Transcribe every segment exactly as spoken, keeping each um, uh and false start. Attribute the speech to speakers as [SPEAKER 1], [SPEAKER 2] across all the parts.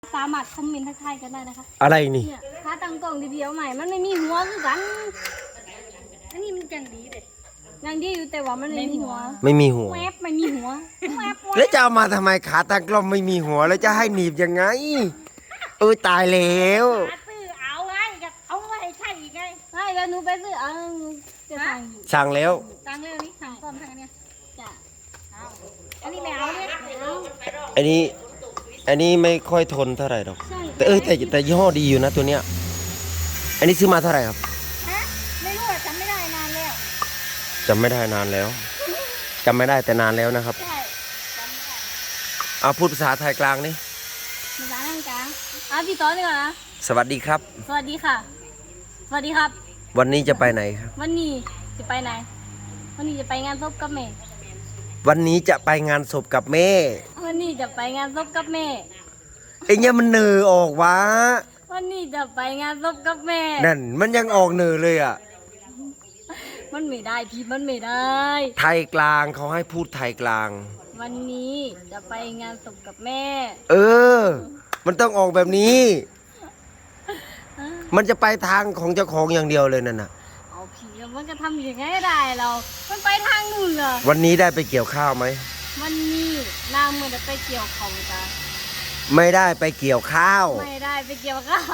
[SPEAKER 1] สามารถคอมเมนต์ทักทายกันได้นะคะ
[SPEAKER 2] อะไรนี่
[SPEAKER 1] เนี่ยถ้าตั้งกล่องเดียวๆใหม่มันไม่มีหัวคือกันอันนี้มันยังดีเด็ดยังดีอยู่แต่ว่ามันไม่มีหัว
[SPEAKER 2] ไม่มีหัว
[SPEAKER 1] แวบไม่มีหัวแวบ
[SPEAKER 2] แล้วจะเอามาทำไมขาตั้งกล้องไม่มีหัวแล้วจะให้หนีบยังไงเออตายแล้ว
[SPEAKER 3] ซื้อเอาไงเอาไว้ใช่อีกไง
[SPEAKER 1] ใช่แล้วหนูไปซื้อเอาจะสั่งอยู่
[SPEAKER 2] สั่งแล้ว
[SPEAKER 1] สั่งเร็วนี้สั่งพร้อมทางเนี้ยจ้ะ
[SPEAKER 3] อันนี้ไม่เอาเนี่ย
[SPEAKER 1] เอา
[SPEAKER 2] อันนี้อันนี้ไม่ค่อยทนเท่าไหร่หรอก
[SPEAKER 1] ใช่
[SPEAKER 2] แต่เอ้ยแต่แต่ยี่ห้อดีอยู่นะตัวเนี้ยอันนี้ซื้อมาเท่าไหร่ครับ
[SPEAKER 3] ฮะไม่รู้อะจำไม่ได้นานแล้ว
[SPEAKER 2] จำไม่ได้นานแล้วจำไม่ได้แต่นานแล้วนะครับ
[SPEAKER 3] ใช่จำไม่ได้
[SPEAKER 2] เอาพูดภาษาไทยกลางนี่
[SPEAKER 1] มีร้านนั่งกลางอ่ะพี่ต้อนดีกว่านะ
[SPEAKER 2] สวัสดีครับ
[SPEAKER 1] สวัสดีค่ะ สวัสดีครับ
[SPEAKER 2] วันนี้จะไปไหนครับ
[SPEAKER 1] วันนี้จะไปไหน วันนี้จะไปงานศพกับแม่
[SPEAKER 2] วันนี้จะไปงานศพกับแม่
[SPEAKER 1] วันนี้จะไปงานศพกับแม่
[SPEAKER 2] ไอ้เนี่ยมันเนอออกวะ
[SPEAKER 1] วันนี้จะไปงานศพกับแม่
[SPEAKER 2] นั่นมันยังออกเนอเลยอ่ะ
[SPEAKER 1] มันไม่ได้พี่มันไม่ได้
[SPEAKER 2] ไทยกลางเขาให้พูดไทยกลาง
[SPEAKER 1] วันนี้จะไปงานศพกับแม่
[SPEAKER 2] เออ มันต้องออกแบบนี้ มันจะไปทางของเจ้าของอย่างเดียวเลยนั่นน่ะ
[SPEAKER 1] เอาพี่แล้วมันก็ทำยังไงได้เรา มันไปทางนู่นเหรอ
[SPEAKER 2] วันนี้ได้ไปเกี่ยวข้าวไหม
[SPEAKER 1] วันนี้นางมือจะไปเกี่ยวของจ้ะ
[SPEAKER 2] ไม่ได้ไปเกี่ยวข้าว
[SPEAKER 1] ไม่ได้ไปเกี่ยวข้าว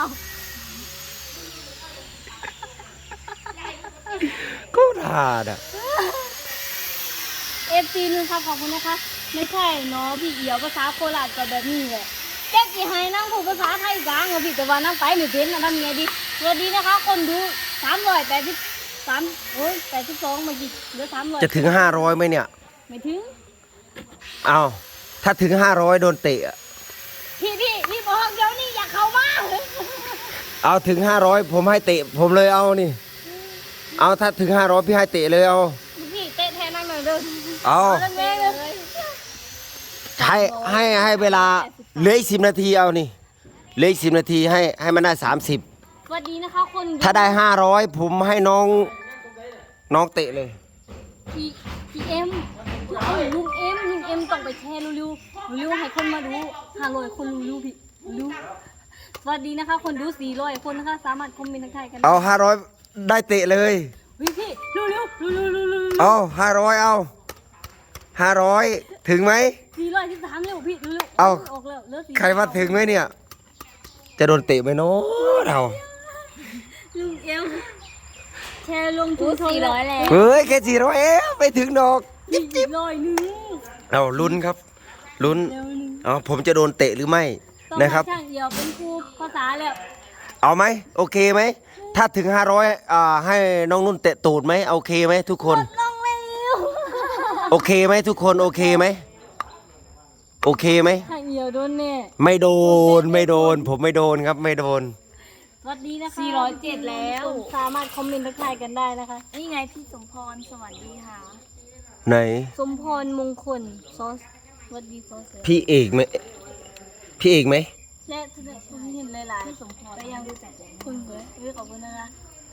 [SPEAKER 2] ก็ทาดอ่ะ
[SPEAKER 1] เอฟซีนึงครับขอบคุณนะคะ ไม่ใช่เนาะพี่เอี่ยวภาษาโคราชก็แบบนี้แหละแจ๊กจีให้นั่งพูดภาษาไทยกลางเหรอพี่แต่ว่านั่งไปไม่เป็นนะทำไงดีสวัสดีนะคะ คนดูสามร้อยแปดสิบสามโอ้ยแปดสิบสองเมื่อกี้เหลือสามร้อย
[SPEAKER 2] จะถึงห้าร้อยไหมเนี่ย
[SPEAKER 1] ไม่ถึง
[SPEAKER 2] เอาถ้าถึงห้าร้อยโดนเตะอะ
[SPEAKER 1] พี่พี่รีบบอกเดี๋ยวนี้อยากเข้ามา
[SPEAKER 2] เอาถึงห้าร้อยผมให้เตะ ผมเลยเอานี่ เอาถ้าถึงห้าร้อยพี่ให้เตะเลยเอา
[SPEAKER 1] พี่เตะแทนนั่งหน่อยเด้อ
[SPEAKER 2] เอา
[SPEAKER 1] เล่นแม่เลย
[SPEAKER 2] ให้ให้ให้เวลาเหลืออีกสิบนาทีเอานี่เหลืออีกสิบนาทีให้ให้มันได้สามสิบ
[SPEAKER 1] สวัสดีนะคะคนดู
[SPEAKER 2] ถ้าได้ห้าร้อยผมให้น้องน้องเตะเลย
[SPEAKER 1] พี่พี่เอ็มเอ้ยลุงเอ็มลุงเอ็มต้องไปแชร์เร็วๆเร็วๆให้คนมาดูห้าร้อยคนรู้ๆพี่รู้สวัสดีนะคะ คนดูสี่ร้อยคนนะคะ สามารถคอมเมนต์ทักทายกัน
[SPEAKER 2] เอาห้าร้อยได้เตะเลย
[SPEAKER 1] พี่พี่เร็วๆเร็วๆเร็วๆเร็วๆเร็ว
[SPEAKER 2] เอาห้าร้อยเอาห้าร้อยถึงไหม
[SPEAKER 1] ๆสี่ร้อยที่สามเร็วพี่เร็วๆ
[SPEAKER 2] เอา
[SPEAKER 1] ออกแล้วเหลือสี่
[SPEAKER 2] ใครว่าถึงไหมเนี่ย จะโดนเตะไหมเนาะเรา
[SPEAKER 1] ลุงเอ็มแชร์ลงทุนสี่ร้อยแล้ว
[SPEAKER 2] เฮ้ยแค่สี่ร้อยเอ๊ะไม่ถึงดอก
[SPEAKER 1] จิ๊บจิ๊บร้อยหนึ่ง
[SPEAKER 2] เอาลุ้นครับลุ้น
[SPEAKER 1] เร็วหนึ่ง
[SPEAKER 2] เอาผมจะโดนเตะหรือไม่
[SPEAKER 1] ต้อง
[SPEAKER 2] นะครับ
[SPEAKER 1] ให้ช่างเอี่ยวเป็นครูภาษาแล้ว
[SPEAKER 2] เอาไหมโอเคไหมถ้าถึงห้าร้อยอ่าให้น้องนุ่นเตะตูดไหมโอเคไหมทุกคน
[SPEAKER 1] ลงเร็ว
[SPEAKER 2] โอเคไหมทุกคนโอเคไหมโอเคไหม
[SPEAKER 1] ช่างเอี่ยวโดนแน่
[SPEAKER 2] ไม่โดนไม่โดน ผมไม่โดนครับไม่โดน
[SPEAKER 1] สวัสดีนะคะสี่ร้อยเจ็ดแล้วสามารถคอมเมนต์ทักทายกันได้นะคะ
[SPEAKER 3] นี่ไงพี่สมพรสวัสดีค่ะ
[SPEAKER 2] ไหน
[SPEAKER 1] สมพรมงคลซอสสวัสดีซอสเสือ
[SPEAKER 2] พี่เอกไหมพี่เอกไหม
[SPEAKER 1] และคุณเห็นหลายๆสมพรก็ยังรู้จักคุณสวยเอ้ยขอบคุณนะคะ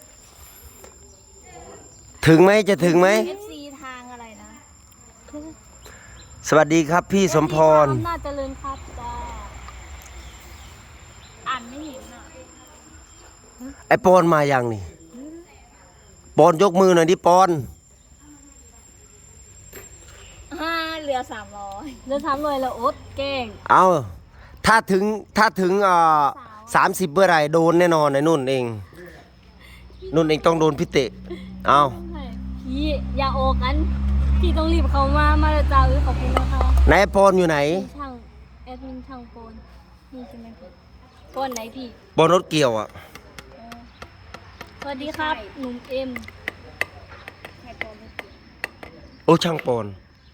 [SPEAKER 2] ถึงไหมจะถึงไหม
[SPEAKER 3] เอฟซีทางอะไรนะ
[SPEAKER 2] สวัสดีครับพี่สมพร
[SPEAKER 1] อำนาจเจริญครับจ้า
[SPEAKER 3] อ่านไม่เห็นอ่ะ
[SPEAKER 2] ไอปอนมายังนี่ปอนยกมือหน่อยดิปอน
[SPEAKER 3] ห้าเหลือสามร้อย
[SPEAKER 1] เดินทำเลยแล้วอดแกล้ง
[SPEAKER 2] เอาถ้าถึงถ้าถึงอ่าสามสิบเมื่อไหรโดนแน่นอนไอ้นุ่นเองนุ่นเองต้องโดนพี่เตะเอา
[SPEAKER 1] พี่อย่าโอกันพี่ต้องรีบเข้ามามาเลยจ้าเอ้ยขอบคุณนะคะ
[SPEAKER 2] ไหนไอ้ปอนอยู่ไหน
[SPEAKER 1] มีช่างแอดมินช่างโปนนี่ใช่ไหมพี่โปนไหนพี่
[SPEAKER 2] บนรถเกี่ยวอ่ะ
[SPEAKER 1] สวัสดีครับหนุ่มเอ็ม
[SPEAKER 3] ให้โปรไม่ติด
[SPEAKER 2] โอ้ช่างปอน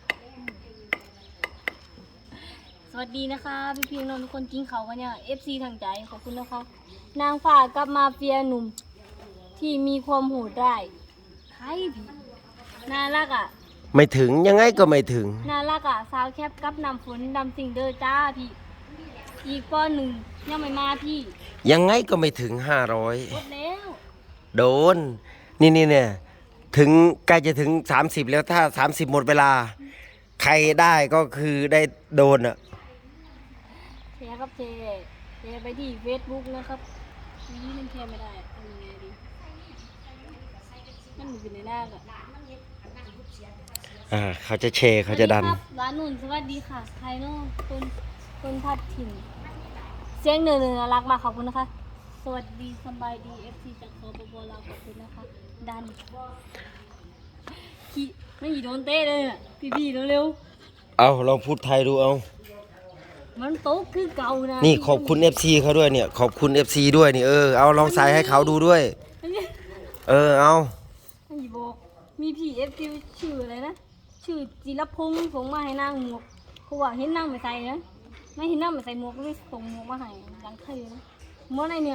[SPEAKER 1] สวัสดีนะคะพี่เพียงนนท์ทุกคนกินเขากันเนี่ยเอฟซีทางใจขอบคุณนะคะนางฝ่ากับมาเฟียหนุ่มที่มีความโหดได้ใครพี่น่ารักอ่ะ
[SPEAKER 2] ไม่ถึงยังไงก็ไม่ถึง
[SPEAKER 1] น่ารักอ่ะสาวแคปกับนำฝนดำสิงเดอจ้าพี่อีกก้อนหนึ่งยังไม่มาพี่
[SPEAKER 2] ยังไงก็ไม่ถึงห้าร้อย
[SPEAKER 1] หมดแล้ว
[SPEAKER 2] โดน นี่นี่เนี่ยถึงใกล้จะถึงสามสิบแล้วถ้าสามสิบหมดเวลา ใครได้ก็คือได้โดนอ่ะ
[SPEAKER 1] แชร์ครับแชร์แชร์ไปที่เฟซบุ๊กนะครับนี่มันแชร์ไม่ได้ทำยังไงดีมันอยู่ในหน้าอะ
[SPEAKER 2] อ่าเขาจะแชร์เขาจะดัน
[SPEAKER 1] สวัสครับร้านนุ่นสวัสดีค่ะใครเนาะคนคนพัดถิ่นเสียงเหนือๆน่ารักมากขอบคุณนะคะ สวัสดีสบายดีเอฟซีจากสปปลาวขอบคุณนะคะดันขี้ไม่หยีโดนเต้เลยอ่ะพี่ๆเร็ว
[SPEAKER 2] เอาลองพูดไทยดูเอา
[SPEAKER 1] ๆมันโต๊ะคือเก่านะ
[SPEAKER 2] นี่ขอบคุณ เอฟ ซี เขาด้วยเนี่ย ขอบคุณ เอฟ ซี ด้วยนี่เออ เอาลองใส่ให้เขาดูด้วย เออ เอา
[SPEAKER 1] ไม่หยีบอกมีพี่เอฟซีชื่ออะไรนะชื่อจิรพงษ์ส่งมาให้นางหมวกเขาว่าเห็นนางไม่ใส่นะไม่เห็นนางไม่ใส่หมวกเลยส่งหมวกมาให้ยังเท่นะหมวกอะไรเนี่ย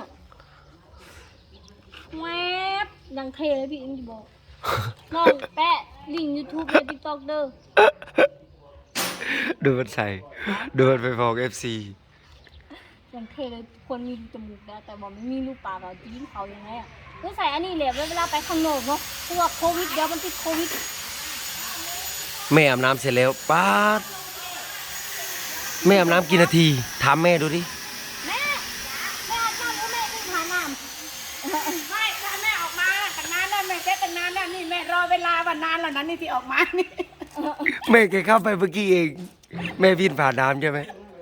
[SPEAKER 1] แวบยังเท่เลยพี่เอ็มจะบอกน้องแปะลิงก์ยูทูบและติ๊กต็อกเด้อ
[SPEAKER 2] ดูมันใส่ ดูมันไปบอก เอฟ ซี
[SPEAKER 1] ยังเท่เลยคนมีจมูกนะแต่บอกไม่มีรูปปากเราจะยิ้มเขายังไงอ่ะก็ใส่อันนี้แหละเวลาไปข้างนอกเนาะเพราะว่าโควิดเดี๋ยวมันติดโควิด
[SPEAKER 2] แม่อาบน้ำเสร็จแล้วป้าดแม่อาบน้ำกี่นาที ถามแม่ดูดิ
[SPEAKER 1] แม่แม่อาบน้ำหรือแม่ขึ้นหาน้ำ
[SPEAKER 3] ไม่ถ้าแม่ออกมาตั้งนานแล้วแม่เซ็ตตั้งนานแล้วนี่แม่รอเวลาวันนานแล้วนะนี่ที่ออกมานี่
[SPEAKER 2] แม่แกเข้าไปเมื่อกี้เอง แม่พินผ่านน้ำใช่ไหม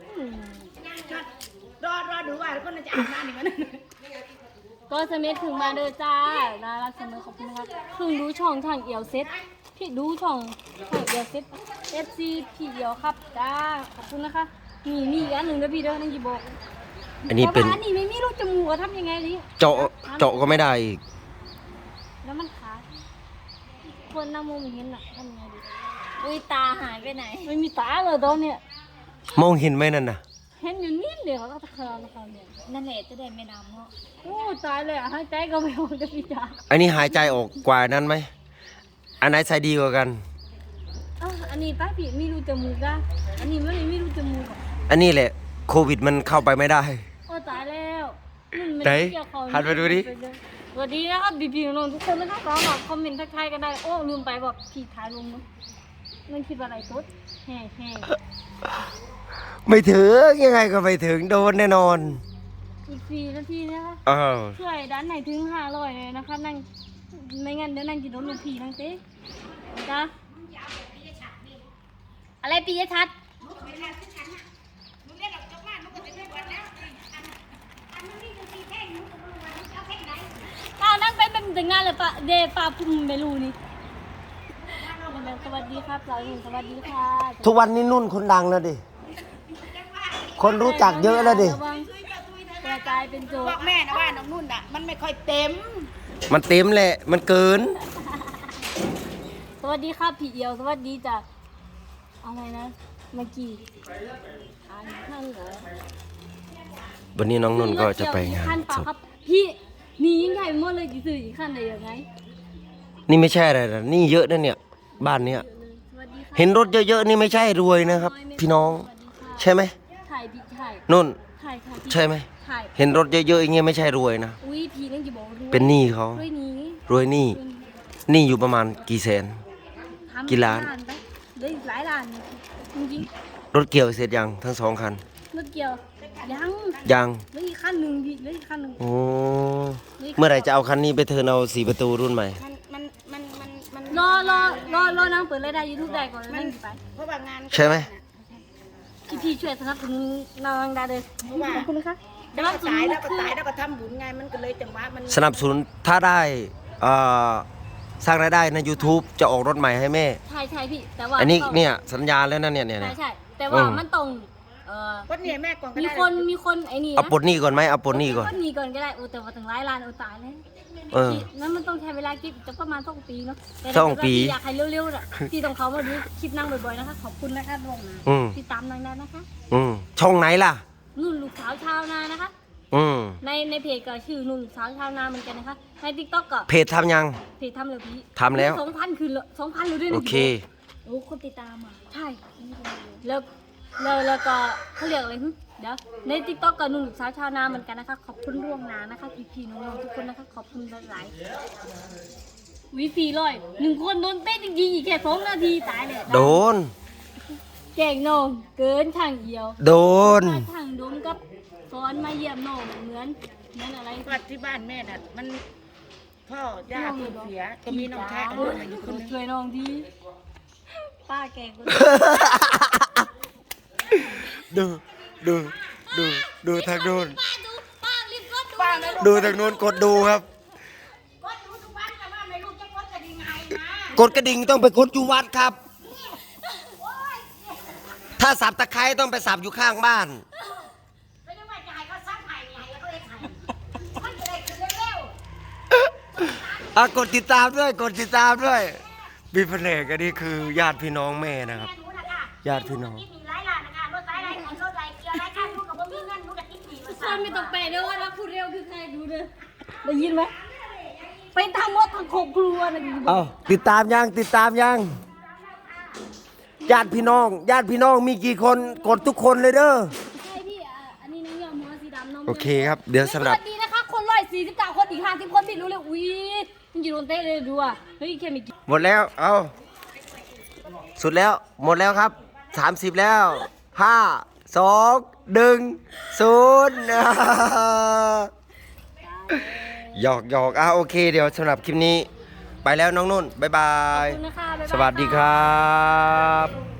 [SPEAKER 3] รอรอดูว่าก็น่าจะอาบน้ำอีกวันนึง
[SPEAKER 1] ก็สเมัถึงมาเด้อจ้าน่ารักเสมอขอบคุณนะครับเพิ่งดูช่องทางเอียวเซ็ตพี่ดูช่องทางเอียวเซ็ตเอฟซีพี่เอียวครับจ้าขอบคุณนะคะนี่มีอีกอันหนึ่งนะพี่เด้อนั่นกี่บอก
[SPEAKER 2] อันนี้เป็น
[SPEAKER 1] แต่ว่าอันนี้ไม่มีรูจมูกอะทำยังไงดิ
[SPEAKER 2] เจาะเจาะก็ไม่ได้อีก
[SPEAKER 1] แล้วมันขาดคนหน้ามุมเห็นอะทำยังไงดิ
[SPEAKER 3] อุ้ยตาหายไปไหน
[SPEAKER 1] ไม่มีตาเลยตอนเนี้ย
[SPEAKER 2] มองเห็นไหมนั่นน่ะ
[SPEAKER 1] เห็นอยู่นิดเดียวก็ตะคราวนะครับเนี่ย
[SPEAKER 3] นั่นแหละจะได้ไม่ดำเนาะ
[SPEAKER 1] โอ้ตายเลยอะให้ใจก็ไม่ออกจะพี่จ๋า
[SPEAKER 2] อันนี้หายใจออกกว่านั้นไหม อันไหนใส่ดีกว่ากัน
[SPEAKER 1] อ่ะอันนี้ป้าพี่มีรูจมูกอะอันนี้มันไม่มีรูจมูกอะ
[SPEAKER 2] อันนี้แหละโควิดมันเข้าไปไม่ได้
[SPEAKER 1] โอ้ตายแล้วมันม่
[SPEAKER 2] ไหน
[SPEAKER 1] เกี่ยวข้อง
[SPEAKER 2] หันไปดูดิ
[SPEAKER 1] สวัสดีนะครับบีบีน้องๆทุกคนนะครับเราหน่อยคอมเมนต์ทักทายกันได้โอ้ลืมไปบอกพี่ถ่ายลงมั้งนั่นคิดว่าอะไรตุ๊ดแห่แห่
[SPEAKER 2] ไม่ถึงยังไงก็ไม่ถึงโดนแน่นอน
[SPEAKER 1] อีกสี่นาทีนะคะ
[SPEAKER 2] อ้าว
[SPEAKER 1] ช่วยดันไหนถึงห้าร้อยเลยนะคะนั่งไม่งั้นเดี๋ยวนั่งจะโดนลูกพี่นั่งเต้จ้าอะไรปียชัดอ้าวนั่งไปเป็นแต่งงานเลยปะเดปาพุ่มเบลูนี่สวัสดีครับเราหนึ่งสวัสดีค่ะ
[SPEAKER 2] ทุกวันนี้นุ่นคนดังแล้วดิ คนรู้จักเยอะแล้วดิ
[SPEAKER 1] ระวังกระจายเป็นโจ
[SPEAKER 3] บ
[SPEAKER 1] ร
[SPEAKER 3] อกแม่นะว่าน้องนุ่นอ่ะมันไม่ค่อยเต็ม
[SPEAKER 2] มันเต็มแหละ มันเกิน
[SPEAKER 1] สวัสดีครับพี่เอียวสวัสดีจ้ะอะไรนะเมื่อกี้อ่านข้างเหรอ
[SPEAKER 2] วันนี้น้องนุ่นก็จะไปงาน
[SPEAKER 1] ขั้นเปล่า
[SPEAKER 2] ศพ
[SPEAKER 1] ครับพี่มียิ่งใหญ่หมดเลยกี่สื่ออีกขั้นได้ยังไง
[SPEAKER 2] นี่ไม่ใช่อะไรนะนี่เยอะนะเนี่ย บ้านเนี้ย
[SPEAKER 1] สวัสดีค่ะ
[SPEAKER 2] เห็นรถเยอะๆนี่ไม่ใช่รวยนะครับ พี่น้อง
[SPEAKER 1] สวัสดีค่ะ
[SPEAKER 2] ใช่ไหม
[SPEAKER 1] ถ่ายพี่ถ่าย
[SPEAKER 2] นุ่น
[SPEAKER 1] ถ่ายถ่ายพี่
[SPEAKER 2] ใช่ไหม
[SPEAKER 1] ถ่าย
[SPEAKER 2] เห็นรถเยอะๆอย่างเงี้ยไม่ใช่รวยนะ
[SPEAKER 1] อุ้ยพี่นั่งจะบอกรวย
[SPEAKER 2] เป็นหนี้เขา
[SPEAKER 1] รวยนี้
[SPEAKER 2] รวยหนี้หนี้อยู่ประมาณกี่แสน
[SPEAKER 1] ทำ
[SPEAKER 2] กี่ล้าน
[SPEAKER 1] ไปได้หลายล้านจริง
[SPEAKER 2] รถเกี่ยวเสร็จยังทั้งสองคัน
[SPEAKER 1] ๆรถเกี่ยวยัง
[SPEAKER 2] ยัง
[SPEAKER 1] เหลืออีกขั้นหนึ่งพี่เหลืออีกขั้นหนึ่ง
[SPEAKER 2] โอ้เมื่อไหร่จะเอาคันนี้ไปเทิร์นเอาสี่ประตูรุ่นใหม่
[SPEAKER 3] มันมันมันมันมัน
[SPEAKER 1] รอรอรอรอนางเปิดรายได้ยูทูบได้ก่อนแล้วนั่งอยู่ไป
[SPEAKER 3] เพราะว่างาน
[SPEAKER 2] ใช่ไหม
[SPEAKER 1] พี่พี่ช่วยสนับสนุนนางได้เลย
[SPEAKER 3] เพราะว่า
[SPEAKER 1] ขอบคุณนะคะ
[SPEAKER 3] แล้วก็ตายแล้วก็ตายแล้วก็ทำบุญไงมันก็เลยจังหวะมัน
[SPEAKER 2] สนับสนุนถ้าได้เอ่อสร้างรายได้ใน YouTube จะออกรถใหม่ให้แม่
[SPEAKER 1] ใช่ใช่พี่แต่ว่า
[SPEAKER 2] อันนี้
[SPEAKER 1] ต้อง
[SPEAKER 2] เนี่ยสัญญาแล้วนะเนี่ยเนี่ย
[SPEAKER 1] ใช่
[SPEAKER 2] เนี่ย
[SPEAKER 1] ใช่แต่ว่า
[SPEAKER 2] อืม
[SPEAKER 1] มันต้องเอ่อ
[SPEAKER 3] ก็เนี่ยแม่ก่อนก็
[SPEAKER 1] มี
[SPEAKER 3] ได้
[SPEAKER 1] คนมีคนไอ้นี่นะ
[SPEAKER 2] เอาปลดหนี้ก่อนไหมเอาปลดหนี้ก่อน
[SPEAKER 1] มีมีก่อนก็ได้โอ้แต่ว่าถึงหลายล้านโอ้ตายเลย
[SPEAKER 2] เออ
[SPEAKER 1] พี่นั้นมันต้องใช้เวลาคิดจะประมาณสองปีเนาะแต่
[SPEAKER 2] สองปี
[SPEAKER 1] ถ้าเกิดว่าพี่อยากให้เร็วๆน่ะพี่ต้องเขามาดูคลิปนั่งบ่อยๆนะคะขอบคุณนะคะลงนะ
[SPEAKER 2] อืม
[SPEAKER 1] ติดตามนางได้นะคะ
[SPEAKER 2] อืมช่องไหนล่ะ
[SPEAKER 1] นุ่นลูกสาวชาวนานะคะ
[SPEAKER 2] อืม
[SPEAKER 1] ในในเพจก็ชื่อนุ่นลูกสาวชาวนาเหมือนกันนะคะในติ๊กต็อกก็
[SPEAKER 2] เพจทำยัง
[SPEAKER 1] เพจทำเลยพี่
[SPEAKER 2] ทำแล้ว
[SPEAKER 1] สองพันคือสองพันเลยด้วยนะ
[SPEAKER 2] โอเค
[SPEAKER 1] โอ้คนติดตามอ่ะใช่แล้วแล้วแล้วก็เขาเรียกอะไรหึเดี๋ยวในติ๊กต็อกก็นุ่นลูกสาวชาวนาเหมือนกันนะคะขอบคุณร่วงหนานะคะพี่พี่ๆน้องๆทุกคนนะคะขอบคุณหลายๆวิฟีร้อยหนึ่งคนโดนเต้นจริงๆอีกแค่สองนาทีตายเลย
[SPEAKER 2] โดน
[SPEAKER 1] แก่งน้องเกินทางเดียว
[SPEAKER 2] โดน
[SPEAKER 1] ทางดมกับสอนมาเยี่ยมน้องเหมือนเหมือนอะไร
[SPEAKER 3] วัดที่บ้านแม่น่ะมันพ่อย่าเพิ่งเสียก็มีน้องชายกับน้องอยู่คนหนึง
[SPEAKER 1] ช่วยน้องดีป้าแกงคน
[SPEAKER 2] ดูดูดูดูทางโน้น
[SPEAKER 1] ป้าดูป้ารีบกดดู
[SPEAKER 3] ป้าไม่รู้
[SPEAKER 2] ดูทางโน้นกดดูครับ
[SPEAKER 3] ก็รู้ทุกวันแต่ว่าไม่รู้จะกดจะยังไงนะ
[SPEAKER 2] กดกระดิ่งต้องไปกดอยู่วัดครับ ถ้าสับตะไคร้ต้องไปสับอยู่ข้างบ้าน
[SPEAKER 3] ไม่ได้ว่าจะให้เขาซักไห้ไงเขาเองไห้มันจะได้ขึ้นเร็ว
[SPEAKER 2] อ่ะกดติดตามด้วยกดติดตามด้วยมีแผนกอันนี้คือญาติพี่น้องแม่นะครับ
[SPEAKER 3] แม่หนูนะคะ
[SPEAKER 2] ญาติพี่น้อง
[SPEAKER 3] มีหลายร้านนะคะรถสายไหนของรถไหลเกียร์ไรค่ะหนูกับบ่มีเงินหนูกับติ๊กหนีมา
[SPEAKER 1] คนไม่ต้องแปลเด้อว่ารักพูดเร็วคือใครดูเด้อได้ยินไหมไปทางมดทางโคกครัวนะ
[SPEAKER 2] เอาติดตามยังติดตามยังญาติพี่น้องญาติพี่น้องมีกี่คนกดทุกคนเลยเด้อ
[SPEAKER 1] ใช่พี่อ่ะอันนี้น้องยอมหัวสีดำน้อง
[SPEAKER 2] โอเคครับเดี๋ยวสำหรับ
[SPEAKER 1] สวัสดีนะคะคนร้อยสี่สิบเก้าคนอีกห้าสิบคนพี่รู้เลยอุ้ยมันอยู่โดนเต้เลยดูอ่ะเฮ้ยแค่ไม่กี่
[SPEAKER 2] หมดแล้วเอาสุดแล้วหมดแล้วครับสามสิบแล้วห้าสองหนึ่งศูนย์ หยอกหยอกอ่ะโอเคเดี๋ยวสำหรับคลิปนี้ ไปแล้วน้องนุ่น บ๊ายบา
[SPEAKER 1] ขอบ
[SPEAKER 2] ย
[SPEAKER 1] คุณนะคะบ๊ายบาย
[SPEAKER 2] สวัสดีครับ